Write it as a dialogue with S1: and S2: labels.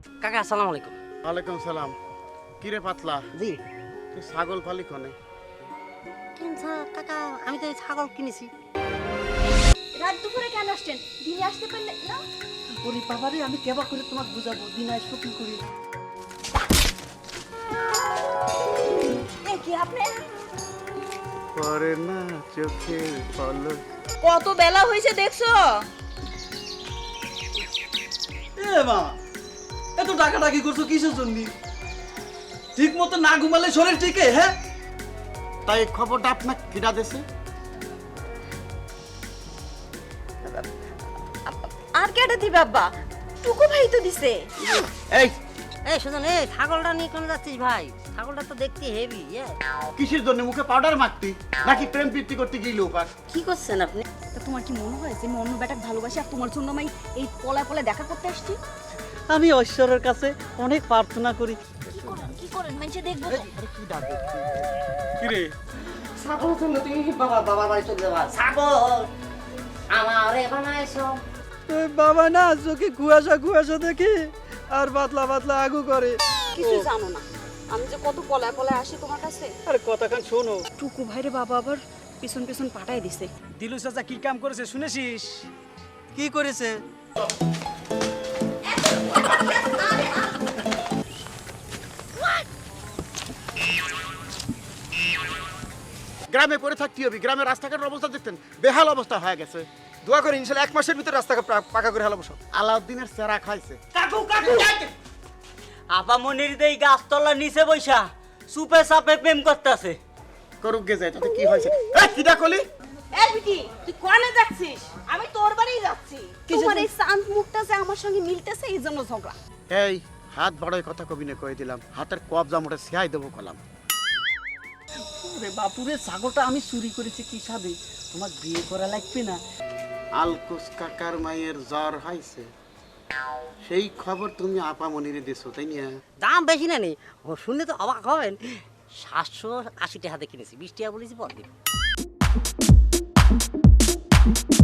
S1: কাকা আসসালামু আলাইকুম।
S2: ওয়ালাইকুম সালাম। কিরে পাতলা,
S1: জি
S2: তুই ছাগল পালি কনে?
S1: কাকা আমি তো এই ছাগল কিনেছি।
S3: রাত দুপুরে কেন আসছেন? দিনে আসতে পারলে না?
S4: ওরে বাবারে, আমি কেবা করে তোমাকে বুঝাবো, দিন আসবো কি করি?
S3: এ কি আপনি?
S2: পরে না চোখের পলক।
S3: কত বেলা হয়েছে দেখছো?
S4: এ মা, এত ডাকাডাকি করছো কিসের জন্য? ঠিক মতো না ঘুমালে শরীর ঠিকে? হ্যাঁ,
S2: তাই এই খবরটা আপনার কিরা দেছে?
S3: আর কেটে দিবে আব্বা? টুকু ভাই তো দিছে।
S2: এই
S1: এই সুজন, এই ছাগলটা নিয়ে কোন যাচ্ছিস ভাই? ছাগলটা তো দেখতে হেভি।
S2: কিসের জন্য মুখে পাউডার মাখতি নাকি প্রেম প্রীতি করতে গিয়ে উপাস?
S1: কি করছেন আপনি?
S3: তা তোমার কি মনে হয় যে আমি অন্য বেটাকে ভালোবাসি আর তোমার জন্য আমি এই পলায় পলায় দেখা করতে আসছি?
S4: আমি ঈশ্বরের কাছে অনেক প্রার্থনা করি।
S3: কি করেন মানুষে দেখবো তো।
S2: কি ডাকে?
S4: কিরে,
S1: ছাগল জন্য তুমি বাবার বাড়ি চলে যাবা? ছাগল আমারে বানাইছো।
S4: বাবা না চোখে কুয়াশা কুয়াশা দেখি আর পাতলা পাতলা আগু করে।
S3: কিছু জানো না আমি যে কত পলায় পলায় আসি তোমার কাছে।
S4: আরে কথাখান শোনো।
S3: টুকু ভাইরে বাবা আবার পিছন পিছন পাঠায় দিছে।
S5: দিলু চাচা কি কাম করেছে শুনেছিস?
S4: কি করেছে?
S2: গ্রামে পড়ে থাকতে হবে, গ্রামের রাস্তাঘাটের অবস্থা দেখতেন বেহাল অবস্থা হয়ে গেছে।
S5: দোয়া করে ইনশাল্লাহ 1 মাসের ভিতরে রাস্তা পাকা করে হেলাবো সব।
S2: আলাউদ্দিনের চেরা খাইছে।
S6: আপা মনির দেই গাছতলার নিচে বইসা সুপে সাপে প্রেম করতেছে।
S2: করুক গে যায়, তাতে কি হয়েছে? এই কিডা কলি?
S3: এই বিটি তুই কোনে যাচ্ছিস? আমি তোর বাড়ি যাচ্ছি। তোমার এই শান্ত মুখটা যে আমার সঙ্গে মিলতেছে এই জন্য ঝগড়া।
S2: এই হাত বড়ই কথা কবি না কয়ে দিলাম, হাতের কবজা মোটে সিয়াই দেবো কলাম।
S4: ওরে বাপুরে, ছাগলটা আমি চুরি করেছি কি সাধে? তোমার বিয়ে করা লাগবে না?
S2: আলকুস কাকার মায়ের জ্বর হয়েছে, সেই খবর তুমি আপা মনিরে দিছো তাই না?
S1: দাম বেশি না নেই, শুনলে তো অবাক হবেন। 780 টাকা দিয়ে কিনেছি, 20 টাকা বলেছি পর দিন।